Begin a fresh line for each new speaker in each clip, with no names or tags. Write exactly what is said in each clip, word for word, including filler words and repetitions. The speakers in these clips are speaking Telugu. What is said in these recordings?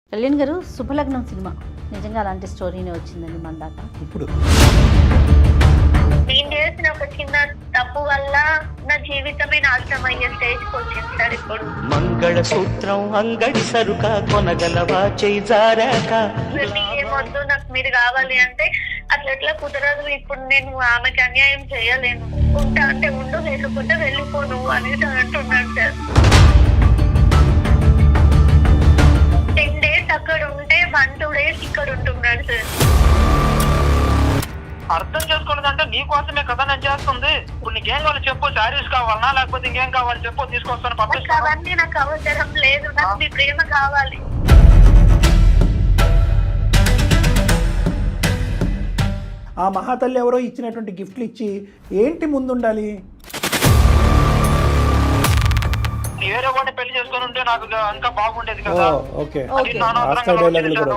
కళ్యాణ్ గారు శుభలగ్నం సినిమా నిజంగా అలాంటి స్టోరీనే వచ్చిందండి మన దాకా.
ఇప్పుడు
నేను చేసిన ఒక చిన్న తప్పు వల్ల నా జీవితమే నాశనం అయ్యే స్టేజ్కి వచ్చింది సార్ ఇప్పుడు.
మంగళసూత్రం అంగడి సరుక కొనగలవా చేయి జారాక
మీరు ఏమొద్దు, నాకు మీరు కావాలి అంటే అట్లా ఎట్లా కుదరదు. ఇప్పుడు నేను ఆమెకి అన్యాయం చేయలేను. ఉంటా అంటే ఉండు, లేకపోతే వెళ్ళిపోను అనేసి అంటున్నాడు సార్. టెన్ డేస్ అక్కడ ఉంటే వన్ టూ డేస్ ఇక్కడ ఉంటున్నాడు సార్.
అర్థం చేసుకోలేదంటే నీకోసమే కదా నేను చేస్తుంది. ఇప్పుడు నీకేం కావాలి చెప్పు, శారీస్ కావాలనా లేకపోతే ఇంకేం కావాలి చెప్పు, తీసుకొస్తాను
నాకు
పంపిస్తాను.
అవన్నీ నాకు అవసరం లేదు, నాకు మీ ప్రేమ కావాలి.
ఆ మహాతల్లి ఎవరో ఇచ్చినటువంటి గిఫ్ట్లు ఇచ్చి ఏంటి ముందుండాలి?
నీ వేరే వాడిని పెళ్లి చేసుకొని ఉంటే నాకు ఇంకా బాగుండేది
ఓ
కదా.
ఓకే
అది నా అనవసరంగా
రాస్తా డైలాగులు కూడా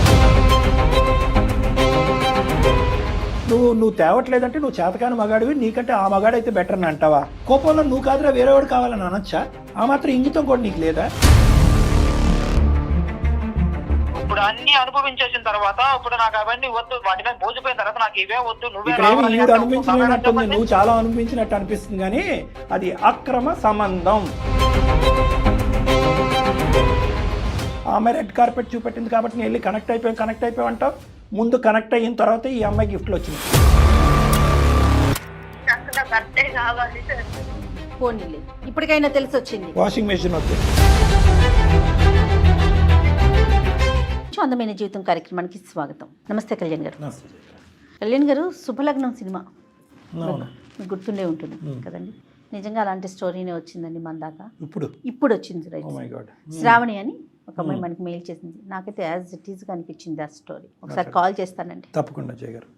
నువ్వు నువ్వు తేవట్లేదంటే నువ్వు చేతకాని మగాడివి, నీకంటే ఆ మగాడైతే బెటర్ అని అంటావా? కోపంలో నువ్వు కాదురా వేరేవాడు కావాలని అనొచ్చా? ఆ మాత్రం ఇంగితం కూడా నీకు లేదా?
ఇప్పుడు అన్ని అనుభవించేసిన తర్వాత ఇప్పుడు నాకు అవన్నీ వద్దు, వాటి మీద మోసిపోయిన తర్వాత నాకు ఇవే వద్దు, నువ్వే
ఇక్కడ ఏమి
రావాలి
ఈవిడ
అంటే
అనుభవించినట్టుంది,
చెప్పండి.
నువ్వు చాలా అనుభవించినట్టు అనిపిస్తుంది కానీ అది అక్రమ సంబంధం. ఆమె రెడ్ కార్పెట్ చూపెట్టింది కాబట్టి నేను వెళ్ళి కనెక్ట్ అయిపోయాం కనెక్ట్ అయిపోయాం అంటావు. ముందు కనెక్ట్ అయిన తర్వాత ఈ అమ్మాయి గిఫ్ట్లు వచ్చింది.
నాకు నా భర్తే కావాలి సార్.
పోనీలే, ఇప్పటికైనా తెలిసి వచ్చింది.
వాషింగ్ మెషిన్ వద్దు.
అందమైన జీవితం కార్యక్రమానికి స్వాగతం. నమస్తే కళ్యాణ్ గారు. కళ్యాణ్ గారు శుభలగ్నం సినిమా
అవును.
మీకు గుర్తుండే ఉంటుంది కదండి. నిజంగా అలాంటి స్టోరీనే వచ్చిందండి మన దాకా.
ఇప్పుడు
ఇప్పుడు వచ్చింది right.
Oh my god.
Sravani అని ఒక అమ్మాయి మనకి మెయిల్ చేసింది. నాకైతే యాజ్ ఇట్ ఈస్గా అనిపించింది ఆ స్టోరీ. ఒకసారి కాల్ చేస్తానండి.
తప్పకుండా జయ గారు.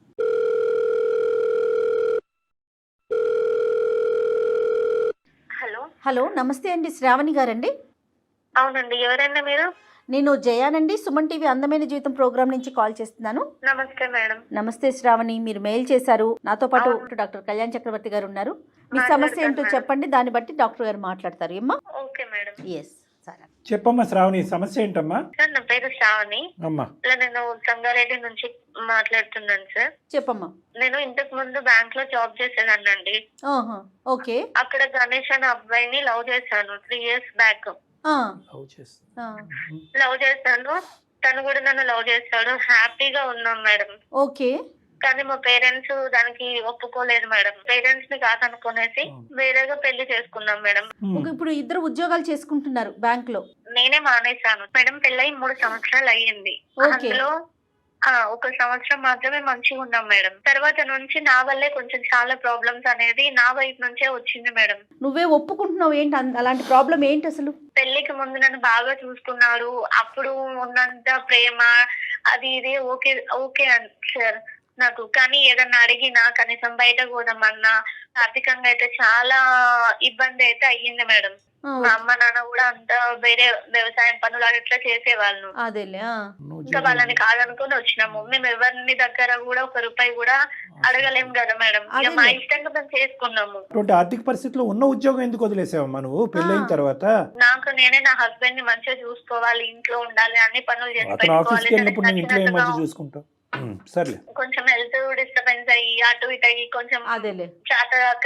హలో,
హలో నమస్తే అండి, శ్రావణి గారండి.
అవునండి, ఎవరైనా మీరు?
నేను జయానండి, సుమన్ టీవీ అందమైన జీవితం ప్రోగ్రామ్ నుంచి కాల్ చేస్తున్నాను.
నమస్తే మేడం.
నమస్తే శ్రావణి, మీరు మెయిల్ చేశారు. నాతో పాటు డాక్టర్ కళ్యాణ్ చక్రవర్తి గారు ఉన్నారు. మీ సమస్య ఏంటో చెప్పండి, దాన్ని బట్టి డాక్టర్ గారు మాట్లాడతారు. ఏమ్మా?
Okay madam.
ఎస్ సరే
చెప్పమ్మా శ్రావణి, సమస్య ఏంటమ్మా?
సార్ నా పేరు శ్రావణి.
అమ్మా
ఇలా నేను సంగారెడ్డి నుంచి మాట్లాడుతున్నాను సార్.
చెప్పమ్మా.
నేను ఇంతకు ముందు బ్యాంక్ లో జాబ్ చేసేదాన్నండి.
ఆహా, ఓకే.
అక్కడ గణేష్ అనే అబ్బాయిని లవ్ చేశాను త్రీ ఇయర్స్ బ్యాక్.
ఆ,
లవ్ చేస్తా.
ఆ,
లవ్ చేశాను, తను కూడా నన్ను లవ్ చేస్తాడు. హ్యాపీగా ఉన్నాం మేడం.
ఓకే.
కానీ మా పేరెంట్స్ దానికి ఒప్పుకోలేదు మేడం. పేరెంట్స్ ని కాదనుకునేసి వేరేగా పెళ్లి చేసుకున్నాం మేడం.
ఒక ఇప్పుడు ఇద్దరు ఉద్యోగాలు చేసుకుంటున్నారు బ్యాంక్ లో.
నేనే మానేశాను మేడం. పెళ్ళై మూడు సంవత్సరాలు అయ్యింది.
ఓకే.
అందులో ఆ ఒక సంవత్సరం మాత్రమే మంచిగా ఉన్నాం మేడం. తర్వాత నుంచి నా వల్లే కొంచెం చాలా ప్రాబ్లమ్స్ అనేది నా వైపు నుంచే వచ్చింది మేడం.
నువ్వే ఒప్పుకుంటున్నావు ఏంటి? అన్- అలాంటి ప్రాబ్లం ఏంటి అసలు?
పెళ్లికి ముందు నన్ను బాగా చూసుకున్నాడు. అప్పుడు ఉన్నంత ప్రేమ అది ఇది ఓకే ఓకే అని సార్ నాకు. కానీ ఏదన్నా అడిగినా కనీసం బయట పోదామన్నా ఆర్థికంగా అయితే చాలా ఇబ్బంది అయితే అయ్యింది మేడం.
ఆ,
మా అమ్మ నాన్న కూడా అంతా వేరే వ్యవసాయం పనులు అట్లా చేసేవాళ్ళు.
అదేలే. ఆ,
ఇంకా వాళ్ళని కాదనుకుని వచ్చినాము. మేము ఎవరిని దగ్గర కూడా ఒక రూపాయి కూడా అడగలేము కదా మేడం. ఇక మా ఇష్టంగా మేము చేసుకున్నాము.
అటువంటి ఆర్థిక పరిస్థితిలో ఉన్న ఉద్యోగం ఎందుకు వదిలేసావమ్మా నువ్వు పెళ్ళైన తర్వాత?
నాకు నేనే నా హస్బెండ్ ని మంచిగా చూసుకోవాలి, ఇంట్లో ఉండాలి, అన్ని పనులు చేసి
అతను ఆఫీస్కి
పెట్టుకోవాలి.
వెళ్ళినప్పుడు నేను ఇంట్లో ఏం
నచ్చినట్టుగా
మంచి చూసుకుంటావు? ఉమ్, సర్లే.
కొంచెం హెల్త్ డిస్టర్బెన్స్ అయ్యి అటు ఇటు అయ్యి కొంచెం
అదేలే.
చేతగాక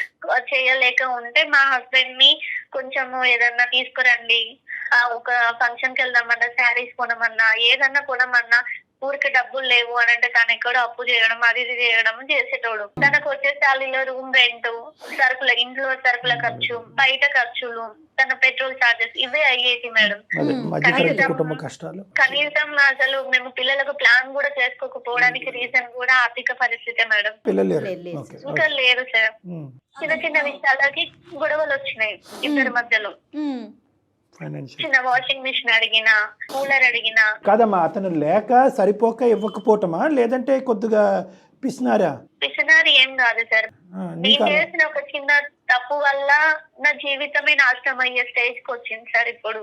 చేయలేక ఉంటే మా హస్బెండ్ ని కొంచెం ఏదన్నా తీసుకురండి, ఆ ఒక ఫంక్షన్ కి వెళ్దామన్నా, శారీస్ కొనమన్నా, ఏదన్నా కొనమన్నా ఊరికి డబ్బులు లేవు అని అంటే తను ఎక్కడో అప్పు చేయడం అది ఇది చేయడం చేసేటోడు. తనకు వచ్చే శాలీలో రూమ్ రెంట్, సరుకుల ఇంట్లో సరుకుల ఖర్చు, బయట ఖర్చులు, తన పెట్రోల్ చార్జెస్ ఇవే అయ్యేది మేడం.
అదే మధ్యతరగతి
కనీసం-
కుటుంబ కష్టాలు.
కనీసం అసలు మేము పిల్లలకు ప్లాన్ కూడా చేసుకోకపోవడానికి రీజన్ కూడా ఆర్థిక పరిస్థితి మేడం.
పిల్లలు
లేదు,
లేరు.
లేదు.
ఓకే,
ఇంకా
ఓకే.
లేదు సార్.
ఉమ్,
చిన్న చిన్న విషయాలకి గొడవలు వచ్చినాయి ఇద్దరి మధ్యలో.
ఉమ్,
ఫైనాన్షియల్
చిన్న వాషింగ్ మిషన్ అడిగినా, కూలర్ అడిగినా.
కాదమ్మా, అతను లేక సరిపోక ఇవ్వకపోవటమా లేదంటే కొద్దిగా పిసినారా?
పిసినారి ఏం కాదు సార్.
ఆ,
నేను
నీకు అలా-
చేసిన ఒక చిన్న తప్పు వల్ల నా జీవితమే నాశనం అయ్యే స్టేజ్ కి వచ్చింది సార్ ఇప్పుడు.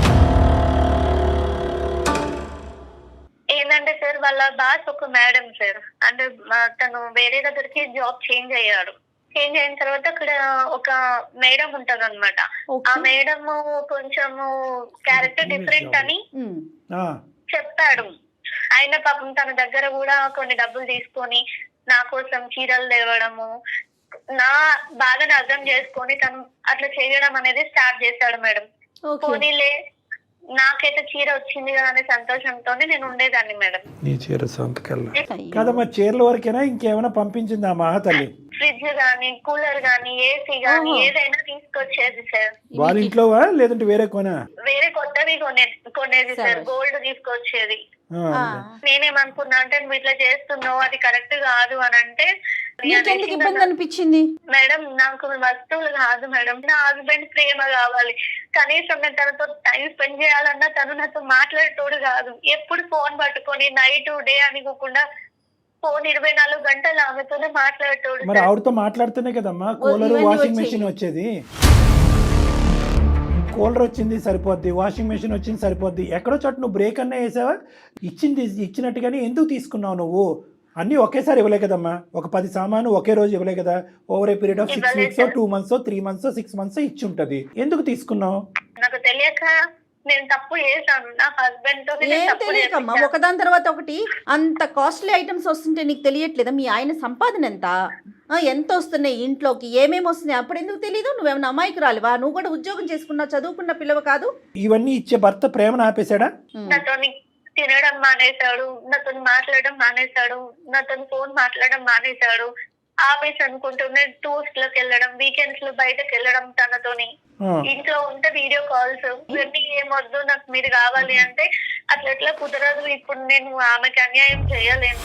ఏంటంటే సార్ వాళ్ళ బాస్ ఒక మేడం సార్, అంటే మా- తను వేరే దగ్గరికి జాబ్ చేంజ్ అయ్యాడు. చేంజ్ అయిన తర్వాత అక్కడ ఒక మేడం ఉంటది అనమాట. ఆ
ఓకే.
మేడం కొంచెము క్యారెక్టర్ డిఫరెంట్ అని
ఉమ్.
ఆ,
చెప్పాడు. ఆయన పాపం తన దగ్గర కూడా కొన్ని డబ్బులు తీసుకొని నా కోసం చీరలు తేవడము, నా బాధను అర్థం చేసుకొని తను అట్లా చేయడం అనేది స్టార్ట్ చేశాడు మేడం.
ఓకే.
పోనీలే నాకైతే చీర వచ్చింది కదా అనే సంతోషంతోనే నేను ఉండేదాన్ని మేడం.
నీ చీర సొంతకెళ్ళ
అయ్యో.
కదమ్మా, చీరల వరకేనా ఇంకేమైనా పంపించింది ఆ మహాతల్లి?
ఫ్రిడ్జ్ గానీ, కూలర్ గానీ, ఏసీ గానీ
ఓహో.
ఏదైనా తీసుకొచ్చేది సార్.
వాళ్ళ ఇంట్లోవా లేదంటే వేరే కొనా?
వేరే కొత్తవి కొనే కొనేది సార్.
సరే.
గోల్డ్ తీసుకొచ్చేది.
ఆ,
ఆ.
నేనేమనుకున్నా అంటే నువ్వు ఇట్లా చేస్తున్నావు, అది కరెక్ట్ కాదు అని అంటే,
నీకెందుకు ఇబ్బంది అనిపించింది?
మేడం నాకు వస్తువులు కాదు మేడం, నా హస్బెండ్ ప్రేమ కావాలి. కనీసం నేను తనతో టైం స్పెండ్ చేయాలన్నా తను నాతో మాట్లాడేటోడు కాదు. ఎప్పుడు ఫోన్ పట్టుకొని నైట్ డే అనుకోకుండా ఫోన్ ఇరవై నాలుగు గంటలు ఆమెతోనే మాట్లాడేటోడు
మరి
సార్.
ఆవిడతో మాట్లాడుతూనే కదమ్మా కూలర్
ఇవన్నీ
వాషింగ్
వచ్చాయి.
మెషిన్ వచ్చేది. కూలర్ వచ్చింది సరిపోద్ది, వాషింగ్ మెషిన్ వచ్చింది సరిపోద్ది. ఎక్కడో చోట నువ్వు బ్రేక్ అన్నా వేసావా? ఇచ్చింది ఇచ్చినట్టుగానే ఎందుకు తీసుకున్నావు నువ్వు? అన్నీ ఒకేసారి ఇవ్వలే కదమ్మా, ఒక పది సామాను ఒకే రోజు ఇవ్వలే కదా. Over a period of six
ఇవ్వలేదు
weeks
sir.
Two months three months six months ఇచ్చి ఉంటది. ఎందుకు తీసుకున్నావు?
నాకు తెలియక నేను తప్పు చేశాను. నా హస్బెండ్ తో నేను
ఏం
తప్పు
తెలియకమ్మా,
చేశాను.
ఒకదాని తర్వాత ఒకటి అంత కాస్ట్లీ ఐటమ్స్ వస్తుంటే నీకు తెలియట్లేదా? మీ ఆయన సంపాదన ఎంత, ఆ, ఎంత వస్తున్నాయి ఇంట్లోకి, ఏమేమి వస్తున్నాయి, అప్పుడు ఎందుకు తెలీదు? నువ్వేమన్నా అమాయకు రాలివా? నువ్వు కూడా ఉద్యోగం చేసుకున్నావు, చదువుకున్న పిల్లవ కాదు?
ఇవన్నీ ఇచ్చే భర్త ప్రేమను ఆపేశాడా?
ఉమ్.
నాతో తినడం మానేశాడు, నాతో మాట్లాడడం మానేశాడు, నాతో ఫోన్ మాట్లాడడం మానేశాడు. ఆఫీస్ అనుకుంటూనే టూర్స్ లోకి వెళ్ళడం, వీకెండ్స్ లో బయటకు వెళ్ళడం తనతోని.
ఆ,
ఇంట్లో ఉంటే వీడియో కాల్స్, ఇవన్నీ ఏమొద్దు నాకు మీరు కావాలి అంటే అట్లా ఎట్లా కుదరదు. ఇప్పుడు నేను ఆమెకి అన్యాయం చేయలేను,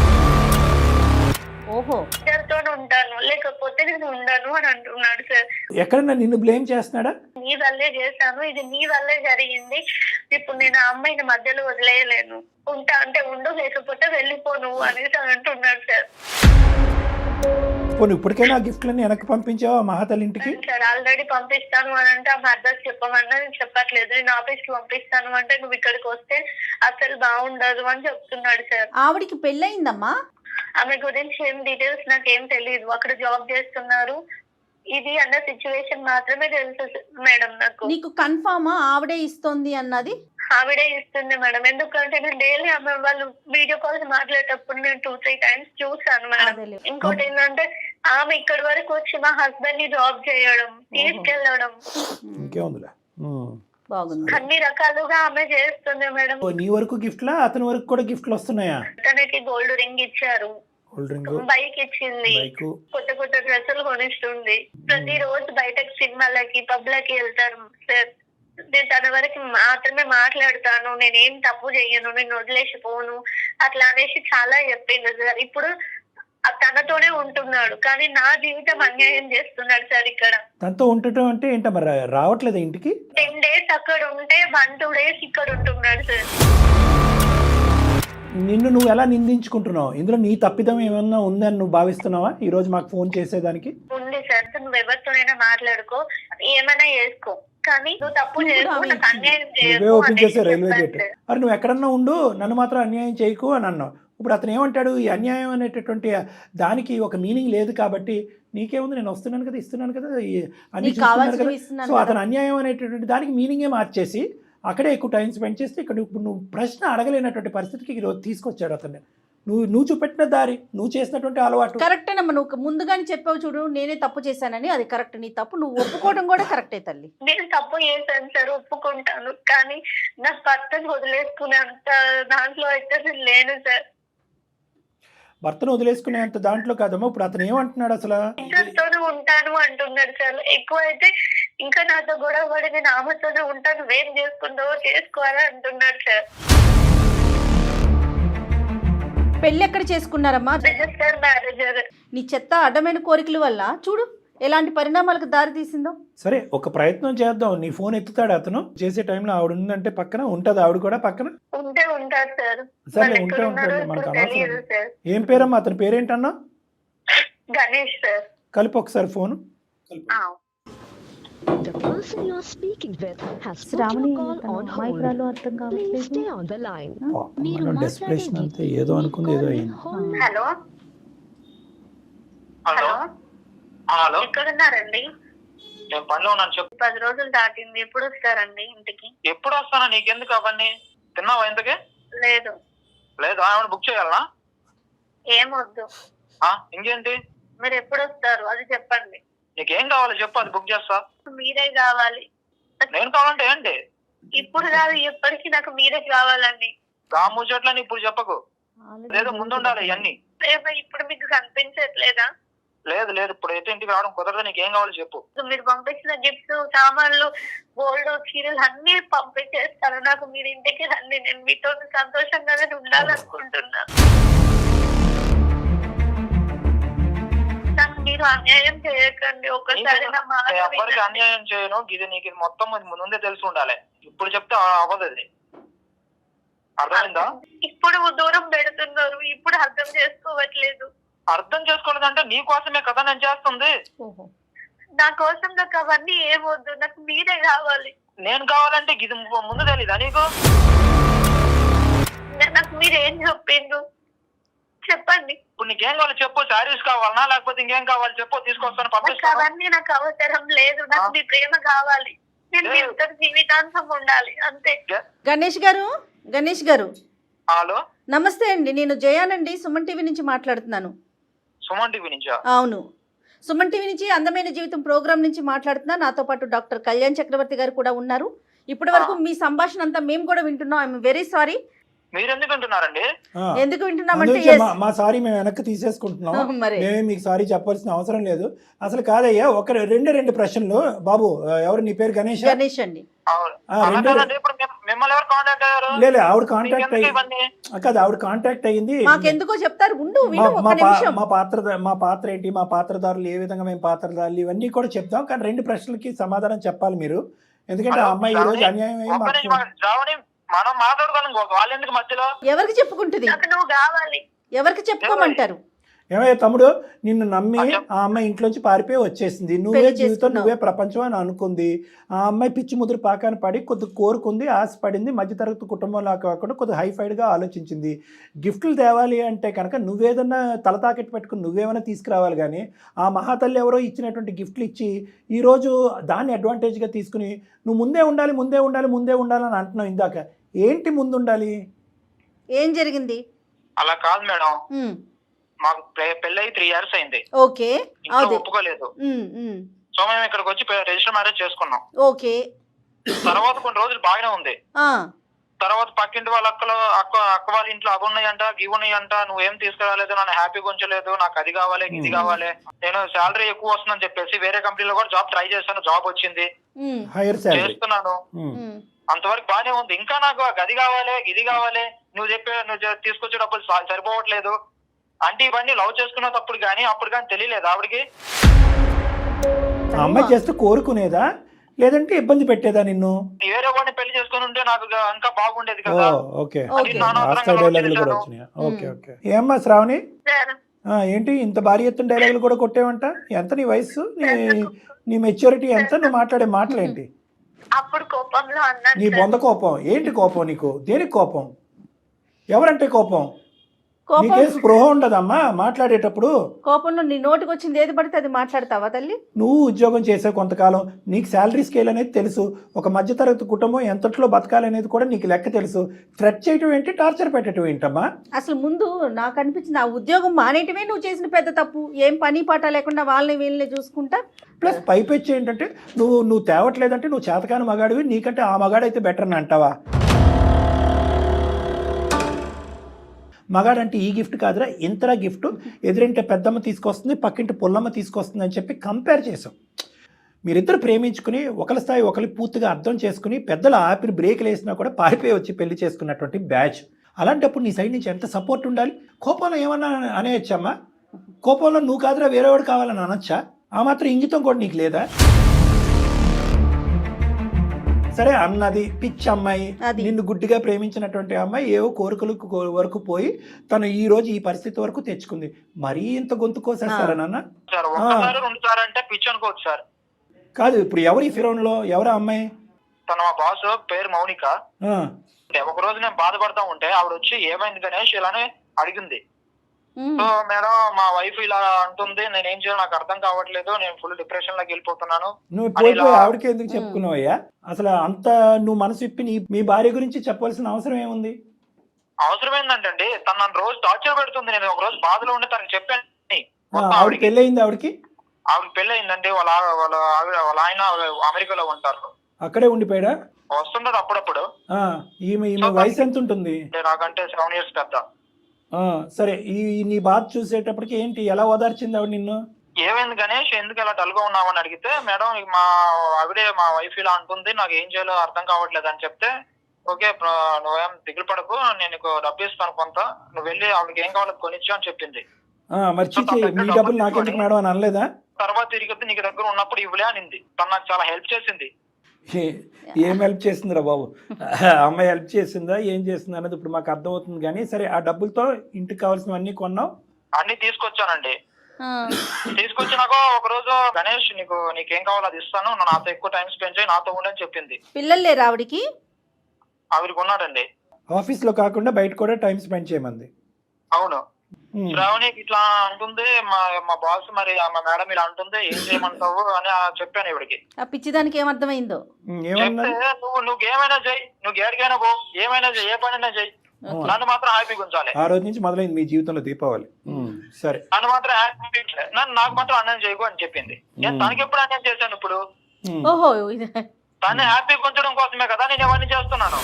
ఓహో.
ఇద్దరితో ఉంటాను లేకపోతే నేను ఉండను అని అంటున్నాడు సార్.
ఎక్కడన్నా నిన్ను బ్లేమ్ చేస్తున్నాడా?
నీ వల్లే చేశాను, ఇది నీ వల్లే జరిగింది. ఇప్పుడు నేను ఆ అమ్మాయిని మధ్యలో వదిలేయలేను, ఉంటా అంటే ఉండు లేకపోతే వెళ్ళిపో నువ్వు అనేసి అంటున్నాడు సార్.
పోనీ ఇప్పటికైనా ఆ గిఫ్ట్లన్నీ వెనక్కి పంపించావా మహాతల్లి ఇంటికి?
సార్ ఆల్రెడీ పంపిస్తాను అని అంటే ఆమె అడ్రస్ చెప్పమన్నా నేను చెప్పట్లేదు. నేను ఆఫీస్ కి పంపిస్తాను అంటే నువ్వు ఇక్కడికి వస్తే అసలు బాగుండదు అని చెప్తున్నాడు సార్.
ఆవిడికి పెళ్ళయిందమ్మా?
ఆమె గురించి ఏం డీటెయిల్స్ నాకేం తెలియదు. అక్కడ జాబ్ చేస్తున్నారు ఇది అన్న సిచ్యువేషన్ మాత్రమే తెలుసు మేడం నాకు.
నీకు కన్ఫామా ఆవిడే ఇస్తోంది అన్నది?
ఆవిడే ఇస్తుంది మేడం, ఎందుకంటే నేను డైలీ ఆమె వాళ్ళు వీడియో కాల్స్ మాట్లాడేటప్పుడు నేను టూ త్రీ టైమ్స్ చూసాను మేడం.
అదేలే.
ఇంకోటి ఏంటంటే ఆమె ఇక్కడి వరకు వచ్చి మా హస్బెండ్ ని జాబ్ చేయడం, తీసుకెళ్లడం,
ఇంకేముందిలే. ఉమ్.
బాగుంది.
అన్ని రకాలుగా ఆమె చేస్తుంది మేడం.
ఓ, నీ వరకు గిఫ్ట్లా అతని వరకు కూడా గిఫ్ట్లు వస్తున్నాయా?
తనకి గోల్డ్ రింగ్ ఇచ్చారు,
కూల్ డ్రింక్,
బైక్ ఇచ్చింది,
బైక్.
కొత్త కొత్త డ్రెస్సులు కొనిస్తుంది. ప్రతి రోజు బయటకు సినిమాలకి పబ్లకి వెళ్తారు సార్. నేను తన వరకు మాత్రమే మాట్లాడతాను, నేనేం తప్పు చెయ్యను, నేను వదిలేసిపోను అట్లా అనేసి చాలా చెప్పింది సార్. ఇప్పుడు తనతోనే ఉంటున్నాడు కానీ నా జీవితం అన్యాయం చేస్తున్నాడు సార్. ఇక్కడ
తనతో ఉండటం అంటే ఏంట మరి రావట్లేదా ఇంటికి?
టెన్ డేస్ అక్కడ ఉంటే వన్ టూ డేస్ ఇక్కడ ఉంటున్నాడు సార్.
నిన్ను నువ్వు ఎలా నిందించుకుంటున్నావు? ఇందులో నీ తప్పిదం ఏమన్నా ఉందని నువ్వు భావిస్తున్నావా ఈ రోజు మాకు ఫోన్ చేసేదానికి?
ఉంది సార్, నువ్వు ఎవరితోనైనా మాట్లాడుకో, ఏమైనా చేసుకో, కానీ నువ్వు తప్పు చేసుకో, నాకు అన్యాయం
నువ్వే
చేయకు
ఓపెన్
అనేసి
చేసే రైల్వే గేట్.
చెప్పాను సార్.
మరి నువ్వు ఎక్కడన్నా ఉండు, నన్ను మాత్రం అన్యాయం చేయకు అని అన్నావు. ఇప్పుడు అతను ఏమంటాడు? ఈ అన్యాయం అనేటటువంటి దానికి ఒక మీనింగ్ లేదు కాబట్టి నీకేముంది, నేను వస్తున్నాను కదా, ఇస్తున్నాను కదా, ఈ- అన్ని
నీకు
చూస్తున్నారు
కావాల్సినవి
కదా.
ఇస్తున్నాను
సో
కదా.
అతను అన్యాయం అనేటటువంటి దానికి మీనింగే మార్చేసి అక్కడే ఎక్కువ టైం స్పెండ్ చేస్తే ఇక్కడ ఇప్పుడు నువ్వు ప్రశ్న అడగలేనటువంటి పరిస్థితికి ఈరోజు తీసుకొచ్చాడు అతన్ని. నువ్వు నువ్వు చూపెట్టిన దారి, నువ్వు చేసినటువంటి అలవాటు
కరెక్టేనమ్మా. నువ్వు ముందుగానే చెప్పావు చూడు, నేనే తప్పు చేశానని, అది కరెక్ట్. నీ తప్పు నువ్వు ఒప్పుకోవడం కూడా కరెక్టే తల్లి.
నేను తప్పు చేశాను సార్, ఒప్పుకుంటాను, కానీ నా భర్తను వదిలేసుకునే అంత దాంట్లో అయితే నేను లేను సార్.
భర్తను వదిలేసుకునేంత దాంట్లో కాదమ్మా. ఇప్పుడు అతను ఏమంటున్నాడు అసలు?
ఇద్దరితోనే ఉంటాను అంటున్నాడు సార్. ఎక్కువ అయితే ఇంకా నాతో గొడవ పడి నేను ఆమెతోనే ఉంటాను, వేం చేసుకుంటావో చేసుకోవాలని అంటున్నాడు సార్.
పెళ్ళి ఎక్కడ చేసుకున్నారమ్మా?
రిజిస్టర్ మ్యారేజర్.
నీ చెత్త అడ్డమైన కోరికల వల్ల చూడు ఎలాంటి పరిణామాలకు దారి తీసిందో.
సరే, ఒక ప్రయత్నం చేద్దాం. నీ ఫోన్ ఎత్తుతాడు అతను చేసే టైంలో? ఆవిడ ఉందంటే పక్కన ఉంటది, ఆవిడ కూడా పక్కన
ఉంటే ఉంటారు సార్.
సరే,
వాళ్ళు
ఉంటే
ఎక్కడ
ఉంటాడు,
ఉన్నారో
మనకు
ఇప్పుడు తెలియదు
అనవసరం.
సార్.
ఏం పేరమ్మా అతని పేరేంటన్నా?
గణేష్ సార్.
కలిపి ఒకసారి ఫోన్.
ఆ.
The person you are speaking with has put
Shravani
your call on hold.
అర్థం
Please
కావట్లేదు.
stay on the line.
పాపం,
మీరు
మనం డెస్పిరేషన్
మాట్లాడే
అంతే, ఏదో అనుకుంది ఏదో అయింది.
hold.
Hello
hello
hello
hello,
ఎక్కడున్నారండి?
నేను పనిలో ఉన్నాను చెప్పు.
పది రోజులు దాటింది, ఎప్పుడు వస్తారండి ఇంటికి?
ఎప్పుడు వస్తానా? నీకెందుకు అవన్నీ? తిన్నావా ఇంతకే?
లేదు.
లేదు, ఏమైనా బుక్ చేయాలనా?
ఏం వద్దు.
ఆ, ఇంకేంటి?
మీరు ఎప్పుడు వస్తారు అది చెప్పండి.
నీకేం కావాలో చెప్పు, అది బుక్ చేస్తా.
మీరే కావాలి.
నేను కావాలంటే ఏంటి?
ఇప్పుడు కాదు, ఎప్పటికీ నాకు మీరే కావాలండి.
రా ముచ్చట్లని ఇప్పుడు చెప్పకు, లేదు ముందు ఉండాలి ఇవన్నీ.
ప్రేమ ఇప్పుడు మీకు కనిపించట్లేదా?
లేదు లేదు, ఇప్పుడు అయితే ఇంటికి రావడం కుదరదు. నీకేం కావాలో చెప్పు.
మీరు పంపించిన గిఫ్ట్స్, సామాన్లు, గోల్డ్, చీరలు అన్ని పంపించేస్తాను. నాకు మీరు ఇంటికి రండి, నేను మీతో సంతోషంగానే ఉండాలనుకుంటున్నా. నాకు మీరు అన్యాయం చేయకండి, ఒక్కసారి నా మాట
నేను ఎవరికి
వినండి.
అన్యాయం చేయను. ఇది నీకు ఇది మొత్తం ఇది ముందే తెలిసి ఉండాలి. ఇప్పుడు చెప్తే అవ్వదు అది. అర్థమైందా?
ఇప్పుడు దూరం పెడుతున్నారు, ఇప్పుడు అర్థం చేసుకోవట్లేదు.
అర్థం చేసుకోలేదంటే నీ కోసమే కదా నేను చేస్తుంది.
ఓహో.
నా కోసం నాకు అవన్నీ ఏమొద్దు, నాకు మీరే కావాలి.
నేను కావాలంటే ఇది ముందు తెలీదా నీకు?
నాకు మీరు ఏం చెప్పిండ్రు చెప్పండి.
ఇప్పుడు నీకేం కావాలో చెప్పు. శారీస్ కావాలనా లేకపోతే ఇంకేం కావాలి చెప్పు, తీసుకొస్తాను,
నాకు
పంపిస్తాను.
అవన్నీ నాకు అవసరం లేదు, నాకు మీ ప్రేమ కావాలి. నేను మీతో జీవితాంతం ఉండాలి అంతే.
గణేష్ గారు, గణేష్ గారు
హలో,
నమస్తే అండి. నేను జయానండి, సుమన్ టీవీ నుంచి మాట్లాడుతున్నాను.
సుమన్ టీవీ నుంచా?
అవును, సుమన్ టీవీ నుంచి అందమైన జీవితం ప్రోగ్రామ్ నుంచి మాట్లాడుతున్నా. నాతో పాటు డాక్టర్ కళ్యాణ్ చక్రవర్తి గారు కూడా ఉన్నారు. ఇప్పటి వరకు మీ సంభాషణ అంతా మేము కూడా వింటున్నాం. I'm very sorry.
మీరు ఎందుకు అంటున్నారండి?
ఆ,
ఎందుకు వింటున్నామంటే
అందుకే మా- మా సారీ మేము వెనక్కి తీసేసుకుంటున్నాం.
మరి
మేమే మీకు సారీ చెప్పాల్సిన అవసరం లేదు. అసలు కాదయ్యా, ఒక రెండు రెండు ప్రశ్నలు. బాబు, ఎవరు నీ పేరు? గణేష్.
గణేష్ అండి.
అవును.
ఆ,
అలా
రెండు-
కాదండి, ఇప్పుడు మిమ్- మిమ్మల్ని ఎవరు కాంటాక్ట్ అయ్యారు?
లేదు, ఆవిడ కాంటాక్ట్
మీకెందుకు
అయ్యి
ఇవన్నీ?
కాదు, ఆవిడ కాంటాక్ట్ అయ్యింది.
మాకెందుకో చెప్తారు, ఉండు
మా
విను
మా
ఒక
పా-
నిమిషం.
మా పాత్ర మా పాత్ర ఏంటి, మా పాత్రదారులు ఏ విధంగా మేము పాత్రదారులు, ఇవన్నీ కూడా చెప్తాం. కానీ రెండు ప్రశ్నలకి సమాధానం చెప్పాలి మీరు. ఎందుకంటే ఆ అమ్మాయి ఈ రోజు అన్యాయం అయ్యి
ఒక్క
మాకు
నిమిషం ఆగండి. శ్రావణి, మనం మాట్లాడుకోవాలి, వాళ్ళు ఎందుకు మధ్యలో?
ఎవరికి చెప్పుకుంటుంది?
నాకు నువ్వు కావాలి.
ఎవరికి చెప్పుకోమంటారు?
ఏమయ్యా తమ్ముడు, నిన్ను నమ్మి ఆ అమ్మాయి ఇంట్లోంచి పారిపోయి వచ్చేసింది. నువ్వే
పెళ్లి
జీవితం,
చేసుకున్నావు.
నువ్వే ప్రపంచం అని అనుకుంది. ఆ అమ్మాయి పిచ్చి ముదురు పాకాన పడి కొద్ది కోరుకుంది, ఆశపడింది. మధ్యతరగతి కుటుంబంలో కాకుండా కొద్ది హైఫైడ్గా ఆలోచించింది. గిఫ్ట్లు తేవాలి అంటే కనుక నువ్వేదన్నా తల తాకెట్టు పెట్టుకుని నువ్వేమైనా తీసుకురావాలి. కానీ ఆ మహాతల్లి ఎవరో ఇచ్చినటువంటి గిఫ్ట్లు ఇచ్చి ఈరోజు దాన్ని అడ్వాంటేజ్గా తీసుకుని నువ్వు ముందే ఉండాలి, ముందే ఉండాలి, ముందే ఉండాలని అంటున్నావు ఇందాక. ఏంటి ముందు ఉండాలి?
ఏం జరిగింది?
అలా కాదు మేడం,
ఉమ్,
మాకు పె- పెళ్ళయి త్రీ ఇయర్స్ అయింది.
ఓకే.
ఇంట్లో
అదే.
ఒప్పుకోలేదు.
ఉమ్, ఉమ్,
సో మేము ఇక్కడికి వచ్చి రిజిస్టర్ మ్యారేజ్ చేసుకున్నాం.
ఓకే.
తర్వాత కొన్ని రోజులు బాగానే ఉంది.
ఆ,
తర్వాత పక్కింటి వాళ్ళ అక్కలు అక్క అక్క వాళ్ళ ఇంట్లో అవి ఉన్నాయంట, ఇవి ఉన్నాయంట, నువ్వేం తీసుకురాలేదు, నన్ను హ్యాపీగా ఉంచలేదు, నాకు అది కావాలి ఇది కావాలి. నేను శాలరీ ఎక్కువ వస్తుందని చెప్పేసి వేరే కంపెనీలో కూడా జాబ్ ట్రై చేశాను, జాబ్ వచ్చింది,
ఉమ్,
హైయర్ శాలరీ.
చేస్తున్నాను.
ఉమ్,
అంతవరకు బాగానే ఉంది. ఇంకా నాకు గది కావాలి, ఇది కావాలి, నువ్వు చెప్పే నువ్వు చె- తీసుకొచ్చే డబ్బులు స- సరిపోవట్లేదు అంటే ఇవన్నీ లవ్ చేసుకున్న తప్పుడు కానీ అప్పుడు కానీ తెలియలేదు ఆవిడకి.
ఆ అమ్మాయి చేస్తే కోరుకునేదా లేదంటే ఇబ్బంది పెట్టేదా నిన్ను?
వేరే వాడిని పెళ్లి చేసుకుని ఉంటే నాకు గా- ఇంకా బాగుండేది
ఓ,
కదా.
ఓకే.
ఓకే.
అది నానా
ఆ
అవసరంగా
డైలాగులు కూడా
వచ్చేసాను.
వచ్చినాయి. Okay okay. ఏమ్మా శ్రావణి,
సార్,
ఆ, ఏంటి ఇంత భారీ ఎత్తున డైలాగులు కూడా కొట్టేవంట? ఎంత నీ వయసు, నీ నీ మెచ్యూరిటీ ఎంత, నువ్వు మాట్లాడే మాటలేంటి?
అప్పుడు కోపంలో అన్నాను
నీ
సార్.
బొంద కోపం ఏంటి? కోపం నీకు దేనికి కోపం? ఎవరంటే కోపం?
కోపం
నీకే స్పృహ ఉండదమ్మా మాట్లాడేటప్పుడు.
కోపంలో నీ నోటికి వచ్చింది ఏది పడితే అది మాట్లాడతావా తల్లి?
నువ్వు ఉద్యోగం చేసే కొంతకాలం నీకు శాలరీ స్కేల్ అనేది తెలుసు. ఒక మధ్యతరగతి కుటుంబం ఎంతట్లో బతకాలనేది కూడా నీకు లెక్క తెలుసు. థ్రెట్ చేయటం ఏంటి, టార్చర్ పెట్టడం ఏంటమ్మా?
అసలు ముందు నాకు అనిపించింది ఆ ఉద్యోగం మానేయటమే నువ్వు చేసిన పెద్ద తప్పు. ఏం పని పాట లేకుండా వాళ్ళని వీళ్ళని చూసుకుంటా.
ప్లస్ పైపెచ్చి ఏంటంటే నువ్వు నువ్వు తేవట్లేదంటే నువ్వు చేతకాని మగాడివి, నీకంటే ఆ మగాడైతే బెటర్ అని అంటావా? మగాడంటే ఈ గిఫ్ట్ కాదురా, ఇంతరా గిఫ్ట్, ఎదురింటే పెద్దమ్మ తీసుకొస్తుంది, పక్కింటి పుల్లమ్మ తీసుకొస్తుంది అని చెప్పి కంపేర్ చేసాం. మీరిద్దరు ప్రేమించుకుని ఒకరి స్థాయి ఒకరి పూర్తిగా అర్థం చేసుకుని పెద్దలు ఆపిన బ్రేక్లు వేసినా కూడా పారిపోయి వచ్చి పెళ్లి చేసుకున్నటువంటి బ్యాచ్. అలాంటప్పుడు నీ సైడ్ నుంచి ఎంత సపోర్ట్ ఉండాలి? కోపంలో ఏమన్నా అనేయచ్చమ్మా? కోపంలో నువ్వు కాదురా వేరేవాడు కావాలని అనొచ్చా? ఆ మాత్రం ఇంగితం కూడా నీకు లేదా? సరే అన్నది పిచ్చి అమ్మాయి,
అది.
నిన్ను గుడ్డిగా ప్రేమించినటువంటి అమ్మాయి ఏవో కోరికలకు కో- వరకు పోయి తను ఈ రోజు ఈ పరిస్థితి వరకు తెచ్చుకుంది. మరీ ఇంత గొంతు కోసేస్తారా నాన్న?
సార్ ఒక్కసారి రెండు సార్ అంటే పిచ్చి అనుకోవచ్చు సార్.
కాదు, ఇప్పుడు ఎవరు ఈ ఫిరోన్లో ఎవరా అమ్మాయి?
తన మా బాస్ పేరు మౌనిక.
ఆ,
అంటే ఒక రోజు నేను బాధపడతా ఉంటే ఆవిడ వచ్చి ఏమైంది గణేష్ ఇలానే అడిగింది.
ఉమ్.
సో మేడం మా వైఫ్ ఇలా అంటుంది, నేను ఏం చేయాలో నాకు అర్థం కావట్లేదు, నేను ఫుల్ డిప్రెషన్ లోకి వెళ్ళిపోతున్నాను.
నువ్వు
అని
పోయి
ఇలా-
పోయి ఆవిడకి ఎందుకు చెప్పుకున్నావయ్యా? అసలు అంత నువ్వు మనసు ఇప్పి నీ మీ భార్య గురించి చెప్పవలసిన అవసరం ఏముంది?
అవసరం ఏంటంటే తను నన్ను రోజు టార్చర్ పెడుతుంది. నేను ఒక రోజు బాధలో ఉండి తనకి చెప్పాను
ఆ,
మొత్తం
ఆవిడ
ఆవిడకి.
పెళ్ళి అయింది ఆవిడకి?
ఆవిడకి పెళ్లి అయిందండి. వాళ్ళ ఆ- వాళ్ళ ఆవిడ వాళ్ళ ఆయన అమెరికాలో ఉంటారు.
అక్కడే ఉండిపోయాడా?
వస్తుండదు అప్పుడప్పుడు.
ఆ, ఈమె ఈమె వయసు ఎంత ఉంటుంది?
అంటే నాకంటే సెవెన్ ఇయర్స్ పెద్ద.
ఆ, సరే ఈ ఈ నీ బాధ చూసేటప్పటికి ఏంటి, ఎలా ఓదార్చింది ఆవిడ నిన్ను?
ఏమైంది గణేష్, ఎందుకు ఇలా డల్ గా ఉన్నామని అడిగితే, మేడం ఇక మా ఆవిడే మా వైఫ్ ఇలా అంటుంది, నాకు ఏం చేయాలో అర్థం కావట్లేదు అని చెప్తే, ఓకే ప్ర- నువ్వేం దిగులు పడకు, నేను నీకు డబ్బు ఇస్తాను కొంత, నువ్వు వెళ్ళి ఆవిడకి ఏం కావాలో కొనిచ్చు అని చెప్పింది.
ఆ, మరి చిచ్చి మీ డబ్బులు నాకెందుకు మేడం అని అనలేదా?
తర్వాత తిరిగి నీకు దగ్గర ఉన్నప్పుడు ఇవ్వలే అనింది. తను నాకు చాలా హెల్ప్ చేసింది.
ఏ- ఏం హెల్ప్ చేసిందిరా బాబు? అమ్మాయి హెల్ప్ చేసిందా ఏం చేసిందా అనేది ఇప్పుడు మాకు అర్థమవుతుంది. కానీ సరే, ఆ డబ్బులతో ఇంటికి కావాల్సినవన్నీ కొన్నావు?
అన్ని తీసుకొచ్చానండి.
ఆ.
తీసుకొచ్చినాక ఒక రోజు గణేష్ నీకు నీకేం కావాలో అది ఇస్తాను, నువ్వు నాతో ఎక్కువ టైం స్పెండ్ చేయి, నాతో ఉండని చెప్పింది.
పిల్లలు లేరు ఆవిడికి?
ఆవిడకి ఉన్నాడండి.
ఆఫీస్లో కాకుండా బయట కూడా టైం స్పెండ్ చేయమంది.
అవును.
ఉమ్.
శ్రావణికి ఇట్లా అంటుంది, మా మా బాస్ మరి మా మేడం ఇలా అంటుంది, ఏం చేయమంటావు అని ఆ చెప్పాను ఇవిడికి.
ఆ పిచ్చిదానికి ఏమర్థమైందో?
ఉమ్, ఏమన్నా?
చెప్తే నువ్వు నువ్వు ఏమైనా చెయ్యి, నువ్వు ఏడికైనా పో, ఏమైనా చెయ్యి, ఏ పనైనా చెయ్యి, నన్ను మాత్రం హ్యాపీగా ఉంచాలి.
ఆ రోజు నుంచి మొదలైంది మీ జీవితంలో దీపావళి. ఉమ్, సరే.
నన్ను మాత్రం హ్యాపీ, నన్ను నాకు మాత్రం అన్యాయం చేయకు అని చెప్పింది. నేను తనకి ఎప్పుడు అన్యాయం చేశాను? ఇప్పుడు
ఉమ్.
ఓహో ఇది
తను హ్యాపీగా ఉంచడం కోసమే కదా నేను ఇవన్నీ చేస్తున్నాను.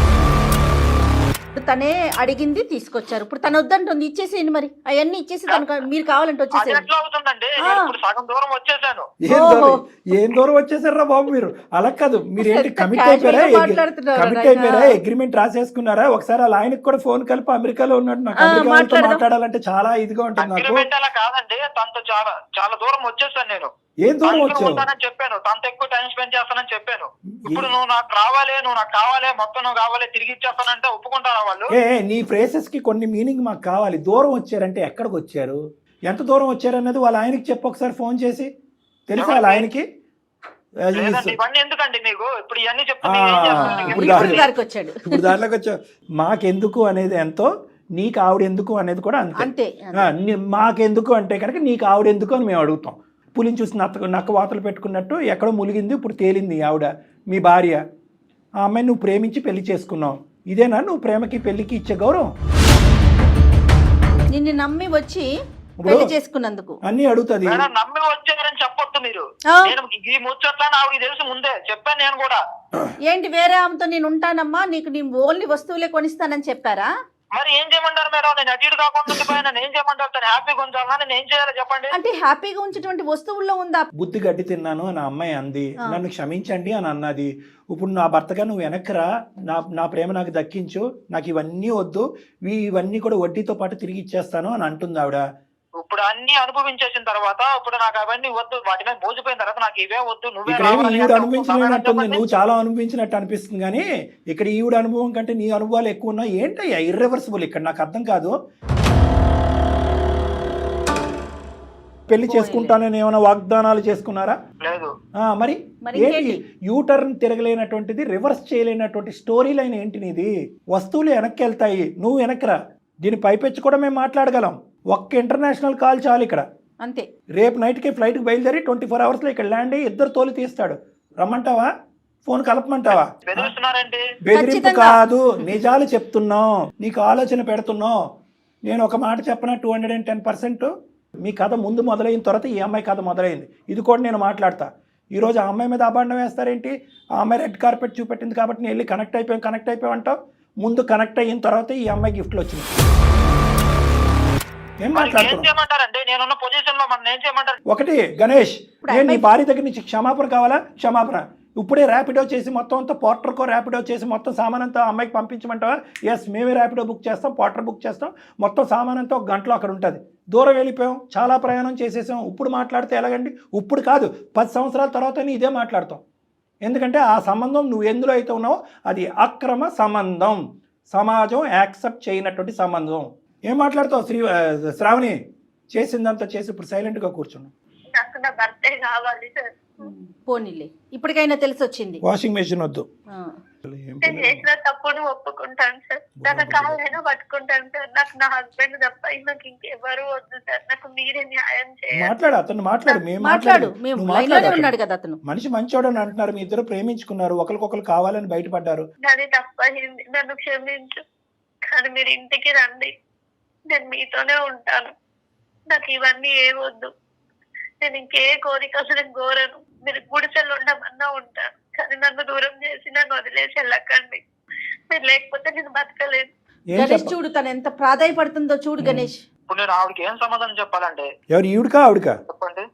తనే అడిగింది తీసుకొచ్చారు. ఇప్పుడు తను వద్దంటుంది, ఇచ్చేసేయండి మరి. అవన్నీ ఇచ్చేసి తనకు మీరు కావాలంటే
అది
వచ్చేసేయండి.
ఎట్లా అవుతుందండి? నేను ఇప్పుడు సగం దూరం వచ్చేసాను.
ఏం
ఓహో.
దూరం ఏం దూరం వచ్చేసారా బాబు మీరు? అలా కాదు, మీరు ఏంటి
ఎంత
కమిట్
casual
అయిపోయారా?
గా మాట్లాడుతున్నారు
కమిట్
నాయనా.
అయిపోయారా? అగ్రిమెంట్ రాసేసుకున్నారా? ఒకసారి వాళ్ళ ఆయనకి కూడా ఫోన్ కలిపి అమెరికాలో ఉన్నాడు, నాకు
ఆ,
అమెరికా వాళ్ళతో
మాట్లాడదాం.
మాట్లాడాలంటే చాలా ఇదిగా ఉంటుంది నాకు.
అగ్రిమెంట్ అలా కాదండి, తనతో చాలా చాలా దూరం వచ్చేసాను నేను.
ఏం దూరం
తనతో
వచ్చావు?
ఉంటానని చెప్పాను, తనతో ఎక్కువ టైం స్పెండ్ చేస్తానని చెప్పాను. ఇప్పుడు నువ్వు నాకు రావాలి, నువ్వు నాకు కావాలి, మొత్తం నువ్వు కావాలి, తిరిగి ఇచ్చేస్తానంటే ఒప్పుకుంటారా వాళ్ళు?
ఏ నీ ఫ్రేసెస్ కి కొన్ని మీనింగ్ మాకు కావాలి. దూరం వచ్చారంటే ఎక్కడికి వచ్చారు, ఎంత దూరం వచ్చారు అన్నది వాళ్ళ ఆయనకి చెప్పు ఒకసారి ఫోన్ చేసి. తెలుసా వాళ్ళ ఆయనకి? అది
లేదండి, ఇవన్నీ ఎందుకండి మీకు? ఇప్పుడు ఇవన్నీ చెప్తే
ఆ,
మీరు ఏం చేస్తారు?
ఇప్పుడు
ఇప్పుడు
దారి-
దారికి వచ్చాడు.
ఇప్పుడు దాంట్లోకి వచ్చావు. మాకెందుకు అనేది ఎంతో, నీకు ఆవిడ ఎందుకు అనేది కూడా అంతే.
అంతే
ఆ, నీ- మాకెందుకు అంటే కనుక నీకు ఆవిడ ఎందుకు అని మేము అడుగుతాం. పులిని చూసి నక్క నక్క వాతలు పెట్టుకున్నట్టు ఎక్కడో ములిగింది, ఇప్పుడు తేలింది ఆవిడ మీ భార్య. ఆ అమ్మాయిని నువ్వు ప్రేమించి పెళ్లి చేసుకున్నావు. ఇదేనా నువ్వు ప్రేమకి పెళ్లికి ఇచ్చే గౌరవం?
నిన్ను నమ్మి వచ్చి
ఇప్పుడు
పెళ్లి చేసుకున్నందుకు
అన్నీ అడుగుతుంది.
మేడం నమ్మి వచ్చారని చెప్పొద్దు మీరు.
ఆ.
నేను ఈ ముచ్చట్లని ఆవిడకి తెలుసు ముందే చెప్పాను నేను కూడా.
ఏంటి వేరే ఆమెతో నేను ఉంటానమ్మా, నీకు నేను ఓన్లీ వస్తువులే కొనిస్తానని చెప్పారా?
మరి ఏం చేయమంటారు మేడం? నేను అటు ఇటు కాకుండా ఉండిపోయాను, నేను ఏం చేయమంటారు? తను హ్యాపీగా ఉంచాలా, నేను ఏం చేయాలో చెప్పండి.
అంటే హ్యాపీగా ఉంచేటువంటి వస్తువుల్లో ఉందా?
బుద్ధి గడ్డి తిన్నాను అని ఆ అమ్మాయి అంది,
ఆ.
నన్ను క్షమించండి అని అన్నది. ఇప్పుడు నా భర్తగా నువ్వు వెనక్కిరా, నా నా ప్రేమ నాకు దక్కించు, నాకు ఇవన్నీ వద్దు, ఇవి- ఇవన్నీ కూడా వడ్డీతో పాటు తిరిగి ఇచ్చేస్తాను అని అంటుంది ఆవిడ.
ఇప్పుడు అన్ని అనుభవించేసిన తర్వాత ఇప్పుడు నాకు అవన్నీ వద్దు, వాటి మీద మోసిపోయిన తర్వాత నాకు ఇవే వద్దు, నువ్వే
ఇక్కడ ఏమి
రావాలి
ఈవిడ
అంటే
అనుభవించలేనట్టుంది,
చెప్పండి.
నువ్వు చాలా అనుభవించినట్టు అనిపిస్తుంది. కానీ ఇక్కడ ఈవిడ అనుభవం కంటే నీ అనుభవాలు ఎక్కువ ఉన్నాయి. ఏంటయ్యా ఇర్రివర్సిబుల్ ఇక్కడ? నాకు అర్థం కాదు. పెళ్లి చేసుకుంటానని ఏమైనా వాగ్దానాలు చేసుకున్నారా?
లేదు.
ఆ, మరి
మరి
ఏంటి
ఇంకేంటి?
యూ టర్న్ తిరగలేనటువంటిది, రివర్స్ చేయలేనటువంటి స్టోరీ లైన్ ఏంటి నీది? వస్తువులు వెనక్కి వెళ్తాయి, నువ్వు వెనక్కిరా. దీని పైపెచ్చి కూడా మేము మాట్లాడగలం. ఒక్క ఇంటర్నేషనల్ కాల్ చాలు ఇక్కడ.
అంతే.
రేపు నైట్కి ఫ్లైట్కి బయలుదేరి ట్వంటీ ఫోర్ అవర్స్లో ఇక్కడ ల్యాండ్ అయ్యి ఇద్దరు తోలు తీస్తాడు. రమ్మంటావా? ఫోన్ కలపమంటావా?
బెదిరిస్తున్నారండి.
బెదిరింపు
ఖచ్చితంగా.
కాదు, నిజాలు చెప్తున్నాం, నీకు ఆలోచన పెడుతున్నాం. నేను ఒక మాట చెప్పనా, two hundred and ten percent మీ కథ ముందు మొదలైన తర్వాత ఈ అమ్మాయి కథ మొదలైంది. ఇది కూడా నేను మాట్లాడతా. ఈరోజు ఆ అమ్మాయి మీద అభాండం వేస్తారేంటి? ఆ అమ్మాయి రెడ్ కార్పెట్ చూపెట్టింది కాబట్టి నేను వెళ్ళి కనెక్ట్ అయిపోయాం కనెక్ట్ అయిపోయాం అంటావు. ముందు కనెక్ట్ అయిన తర్వాత ఈ అమ్మాయి గిఫ్ట్లు వచ్చింది. ఏం
మరి ఏం
మాట్లాడుతున్నావు?
చేయమంటారండి? నేనున్న పొజిషన్ లో మనం ఏం చేయమంటారు?
ఒకటి గణేష్,
ఇప్పుడు
నేను నీ
అమ్మాయి-
భార్య దగ్గర నుంచి క్షమాపణ కావాలా? క్షమాపణ. ఇప్పుడే ర్యాపిడో చేసి మొత్తం అంతా పోర్టర్కో ర్యాపిడో చేసి మొత్తం సామాన్ అంతా అమ్మాయికి పంపించమంటావా? ఎస్, మేమే ర్యాపిడో బుక్ చేస్తాం, పోర్టర్ బుక్ చేస్తాం, మొత్తం సామాన్ అంతా ఒక గంటలో అక్కడ ఉంటుంది. దూరం వెళ్ళిపోయాం, చాలా ప్రయాణం చేసేసాం. ఇప్పుడు మాట్లాడితే ఎలాగండి? ఇప్పుడు కాదు, పది సంవత్సరాల తర్వాత ఇదే మాట్లాడతాం. ఎందుకంటే ఆ సంబంధం నువ్వు ఎందులో అయితే ఉన్నావో అది అక్రమ సంబంధం, సమాజం యాక్సెప్ట్ చేయనటువంటి సంబంధం. ఏం మాట్లాడతావు శ్రీ ఆ, శ్రావణి? చేసిందంతా చేసి ఇప్పుడు సైలెంట్గా కూర్చున్నావు.
నాకు నా భర్తే కావాలి సార్.
పోనీలే, ఇప్పటికైనా తెలిసి వచ్చింది.
వాషింగ్ మెషిన్ వద్దు.
ఆ.
ఏం
నేను చేసిన తప్పును ఒప్పుకుంటాను సార్. తన కాళ్ళైనా పట్టుకుంటాను సార్. నాకు నా హస్బెండ్ తప్ప నాకు ఇంకెవరు వద్దు సార్. నాకు మీరే న్యాయం చేయాలి.
మాట్లాడు, అతను మాట్లాడు, మేము
మాట్లాడు,
మాట్లాడు,
మేము
నువ్వు
లైన్ లోనే
మాట్లాడు.
ఉన్నాడు కదా అతను.
మనిషి మంచోడు అని అంటున్నారు, మీ ఇద్దరు ప్రేమించుకున్నారు, ఒకరికొకరు కావాలని బయటపడ్డారు.
నాది తప్పయింది, నన్ను క్షమించు. కానీ మీరు ఇంటికి రండి, నేను మీతోనే ఉంటాను. నాకు ఇవన్నీ ఏ వద్దు. నేను ఇంకే కోరిక అసలు కోరను. మీరు గుడిసెలు ఉండమన్నా ఉంటాను, కానీ నన్ను దూరం చేసి నన్ను వదిలేసి వెళ్ళకండి. మీరు లేకపోతే నేను బతకలేను.
ఏం
గణేష్
చెప్ప
చూడు తను ఎంత ప్రాధాయపడుతుందో చూడు గణేష్.
ఇప్పుడు నేను ఆవిడకి ఏం సమాధానం చెప్పాలంటే
ఎవరు ఈవిడకా ఆవిడకా?
చెప్పండి.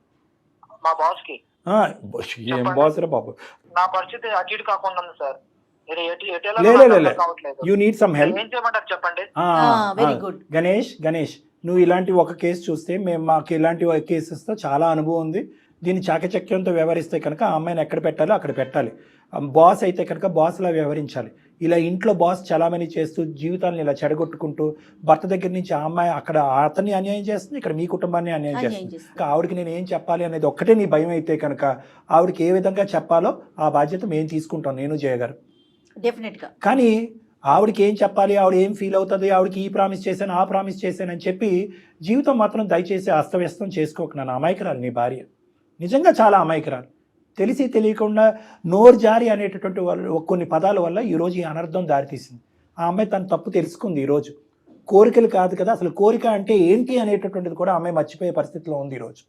మా బాస్ కి
ఆ, ఏం బాస్ రా బాబు.
నా పరిస్థితి అటు ఇటు కాకుండా ఉంది సార్. మీరు ఎటు ఎటు
లే,
వెళ్ళాలో
లే,
నాకు
లే,
అర్థం
లే.
కావట్లేదు.
You need some help.
ఏం చేయమంటారు చెప్పండి.
Very good.
గణేష్ గణేష్ నువ్వు ఇలాంటి ఒక కేసు చూస్తే మేము మాకు ఇలాంటి ఒక కేసెస్తో చాలా అనుభవం ఉంది. దీన్ని చాకచక్యంతో వ్యవహరిస్తే కనుక ఆ అమ్మాయిని ఎక్కడ పెట్టాలో అక్కడ పెట్టాలి. బాస్ అయితే కనుక బాస్లా వ్యవహరించాలి. ఇలా ఇంట్లో బాస్ చలామణి చేస్తూ జీవితాలను ఇలా చెడగొట్టుకుంటూ భర్త దగ్గర నుంచి ఆ అమ్మాయి అక్కడ అతన్ని అన్యాయం చేస్తుంది, ఇక్కడ మీ కుటుంబాన్ని అన్యాయం
అన్యాయం
చేస్తుంది.
చేస్తుంది.
ఇంకా ఆవిడకి నేను ఏం చెప్పాలి అనేది ఒక్కటే నీ భయం అయితే కనుక ఆవిడకి ఏ విధంగా చెప్పాలో ఆ బాధ్యత మేము తీసుకుంటాం, నేను చేయగారు.
డెఫినెట్ గా.
కానీ ఆవిడకి ఏం చెప్పాలి, ఆవిడ ఏం ఫీల్ అవుతుంది, ఆవిడకి ఈ ప్రామిస్ చేశాను ఆ ప్రామిస్ చేశాను అని చెప్పి జీవితం మాత్రం దయచేసి అస్తవ్యస్తం చేసుకోకు. నన్ను అమాయకురాలు నీ భార్య, నిజంగా చాలా అమాయకురాలు. తెలిసి తెలియకుండా నోరు జారి అనేటటువంటి వాళ్ళు కొన్ని పదాల వల్ల ఈరోజు ఈ అనర్థం దారితీసింది. ఆ అమ్మాయి తన తప్పు తెలుసుకుంది ఈరోజు. కోరికలు కాదు కదా, అసలు కోరిక అంటే ఏంటి అనేటటువంటిది కూడా ఆ అమ్మాయి మర్చిపోయే పరిస్థితిలో ఉంది ఈరోజు.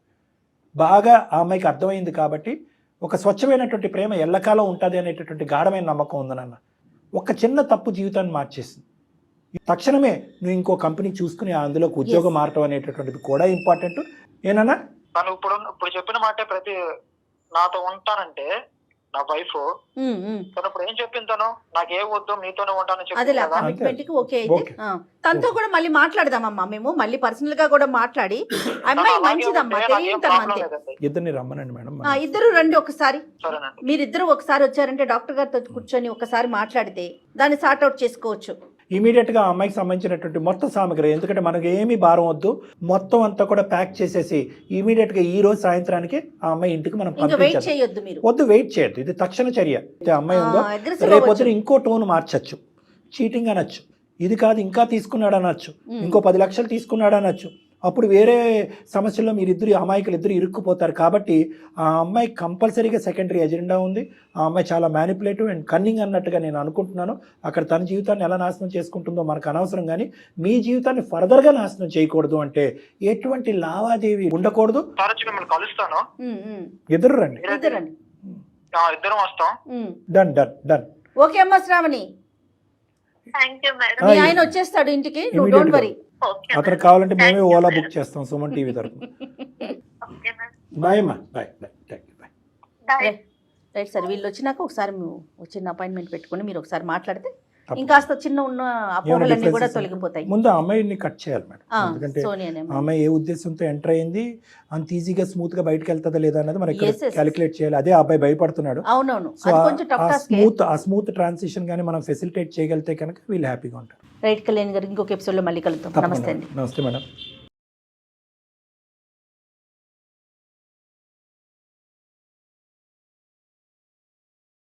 బాగా ఆ అమ్మాయికి అర్థమైంది కాబట్టి ఒక స్వచ్ఛమైనటువంటి ప్రేమ ఎల్లకాలం ఉంటుంది అనేటటువంటి గాఢమైన నమ్మకం ఉంది నాన్న. ఒక చిన్న తప్పు జీవితాన్ని మార్చేసింది. తక్షణమే నువ్వు ఇంకో కంపెనీ చూసుకుని అందులోకి ఉద్యోగం మారటం అనేటటువంటిది కూడా ఇంపార్టెంట్. ఏనన్నా
తను ఇప్పుడు ఇప్పుడు చెప్పిన మాటే ప్రతి నాతో ఉంటానంటే నా వైఫ్
ఉమ్, ఉమ్.
తను ఇప్పుడు ఏం చెప్పింది, తను నాకు ఏ వద్దు మీతోనే ఉంటానని చెప్పింది
అదేలే
కదా.
కమిట్మెంట్ కి ఓకే అయితే
ఓకే.
ఆ. తనతో కూడా మళ్ళీ మాట్లాడదామమ్మా, మేము మళ్ళీ పర్సనల్ గా కూడా మాట్లాడి అమ్మాయి
అలాగే
మంచిదమ్మా,
ఉంటే నాకేం
తెలియని తనం
ప్రాబ్లం
అంతే.
లేదండి.
ఇద్దరిని రమ్మనండి మేడం.
ఆ, ఇద్దరు రండి ఒకసారి.
సరేనండి.
మీరిద్దరు ఒకసారి వచ్చారంటే డాక్టర్ గారితో కూర్చొని ఒకసారి మాట్లాడితే దాన్ని సార్ట్ అవుట్ చేసుకోవచ్చు.
ఇమీడియట్గా ఆ అమ్మాయికి సంబంధించినటువంటి మొత్తం సామగ్రి, ఎందుకంటే మనకు ఏమీ భారం వద్దు, మొత్తం అంతా కూడా ప్యాక్ చేసేసి ఇమీడియట్గా ఈ రోజు సాయంత్రానికి ఆ అమ్మాయి ఇంటికి మనం
ఇంకా వెయిట్
పంపించాలి.
చేయొద్దు మీరు.
వద్దు, వెయిట్ చేయొద్దు. ఇది తక్షణ చర్య. అయితే అమ్మాయి ఉందో
ఆ, aggressive
రేపొద్దున
అవ్వచ్చు.
ఇంకో టోన్ మార్చచ్చు, చీటింగ్ అనొచ్చు, ఇది కాదు ఇంకా తీసుకున్నాడు అనొచ్చు,
ఉమ్.
ఇంకో పది లక్షలు తీసుకున్నాడు అనొచ్చు. అప్పుడు వేరే సమస్యల్లో మీరిద్దరు అమాయకులు ఇద్దరు ఇరుక్కుపోతారు. కాబట్టి ఆ అమ్మాయి కంపల్సరీగా సెకండరీ ఎజెండా ఉంది. ఆ అమ్మాయి చాలా మ్యానిపులేటివ్ అండ్ కన్నింగ్ అన్నట్టుగా నేను అనుకుంటున్నాను. అక్కడ తన జీవితాన్ని ఎలా నాశనం చేసుకుంటుందో మనకు అనవసరం, కానీ మీ జీవితాన్ని ఫర్దర్గా నాశనం చేయకూడదు అంటే ఎటువంటి లావాదేవీ ఉండకూడదు.
సార్ వచ్చి మిమ్మల్ని కలుస్తాను.
ఉమ్, ఉమ్.
ఎదురు రండి.
ఇద్దరు రండి.
ఆ, ఇద్దరం వస్తాం.
Um.
Done done done.
Okay అమ్మా శ్రావణి,
థ్యాంక్ యూ మేడం.
మీ ఆయన వచ్చేస్తాడు ఇంటికి, నువ్వు డోంట్ వరీ.
ఓకే
అతను
మేడం.
కావాలంటే మేమే
Thank you,
Ola
madam.
Book చేస్తాం సుమన్ టీవీ తరఫున.
Okay madam.
బాయ్ అమ్మా, bye bye, thank you, bye.
Bye.
Right sir, వీళ్ళు వచ్చినాక ఒకసారి మేము చిన్న అపాయింట్మెంట్ పెట్టుకుని మీరు ఒకసారి మాట్లాడితే
తప్పకుండా.
ఇంకాస్త చిన్న ఉన్న అపోహలన్నీ కూడా
differences
తొలగిపోతాయి.
ముందు ఆ అమ్మాయిని కట్ చేయాలి మేడం,
ఆ,
ఎందుకంటే
సోనియా అనే
ఆ
అమ్మాయి.
అమ్మాయి ఏ ఉద్దేశంతో ఎంటర్ అయింది, అంత ఈజీగా స్మూత్ గా బయటకు వెళ్తుందా లేదా అనేది మనం
Yes, yes.
క్యాలిక్యులేట్ చేయాలి. అదే ఆ అబ్బాయి భయపడుతున్నాడు.
అవునవును,
సో
అది
ఆ-
కొంచెం టఫ్
ఆ
టాస్క్.
స్మూత్ ఆ స్మూత్ ట్రాన్సిషన్ కానీ మనం ఫెసిలిటేట్ చేయగలిగితే కనుక వీళ్ళు హ్యాపీగా ఉంటారు.
రైట్ కళ్యాణ్ గారు, ఇంకొక ఎపిసోడ్ లో మళ్ళీ కలుద్దాం. నమస్తే అండి.
నమస్తే మేడం.